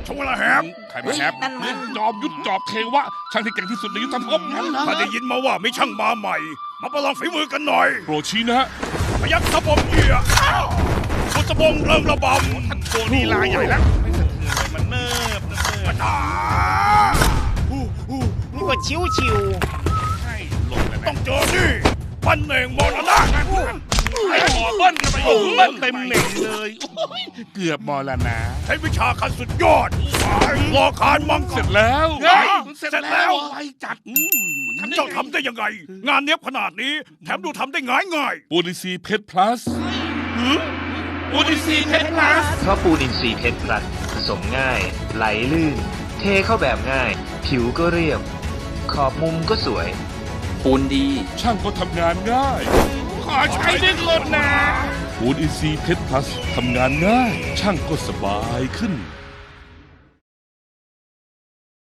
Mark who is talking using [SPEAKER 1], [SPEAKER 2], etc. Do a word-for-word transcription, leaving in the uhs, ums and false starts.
[SPEAKER 1] ชงละแฮม
[SPEAKER 2] ใครมาแฮป
[SPEAKER 3] นั่นมัน
[SPEAKER 2] จอมยุทธจอบเทวะช่างที่เก่งที่สุดในยุทธภพ
[SPEAKER 1] ถ้าได้ยินมาว่ามีช่างมาใหม่ มาประลองฝีมือกันหน่อย
[SPEAKER 2] โปรดชี้นะฮะ
[SPEAKER 1] พยักสะบมเหยื่อบุษบงเริงระบำ
[SPEAKER 2] ท่านโชว์ลีลาใหญ่แล้วไม่สะเทือนเลยมันเนิบเนิบเนิบ
[SPEAKER 1] อ่า
[SPEAKER 3] นี่ก็ชิวชิว
[SPEAKER 2] ใช่ลงเลย
[SPEAKER 1] ต้
[SPEAKER 2] นะ
[SPEAKER 1] องเจอนี่ปันเองมรณะ
[SPEAKER 2] ไอ้หมอเบิ้ลกันไปโอ้โหเบิ้ลเต็มเหน่งเลยโอ้ยเกือบมรณะ
[SPEAKER 1] ใช้วิชาคันสุดยอดรอคานมัง
[SPEAKER 2] เสร็จแล้วเฮ้ยเสร็จ
[SPEAKER 1] เสร็จแล้
[SPEAKER 2] แล้ว
[SPEAKER 1] ว
[SPEAKER 2] ไวจัดอืม
[SPEAKER 1] เจ้าทำได้ยังไง งานเนี้ยบขนาดนี้ แถมดูทำได้ง่ายง่าย
[SPEAKER 2] ปูนิซีเพชรพลัสปูนิซีเพชรพลัส
[SPEAKER 4] เพราะปูนอินทรีย์เพชรพลัสผสมง่าย ไหลลื่น เทเข้าแบบง่าย ผิวก็เรียบ ขอบมุมก็สวย
[SPEAKER 5] ปูนดี
[SPEAKER 2] ช่างก็ทำงานง่าย ขอใช้ดึงลดนะปูนอินซีเพชรพลัสทำงานง่าย ช่างก็สบายขึ้น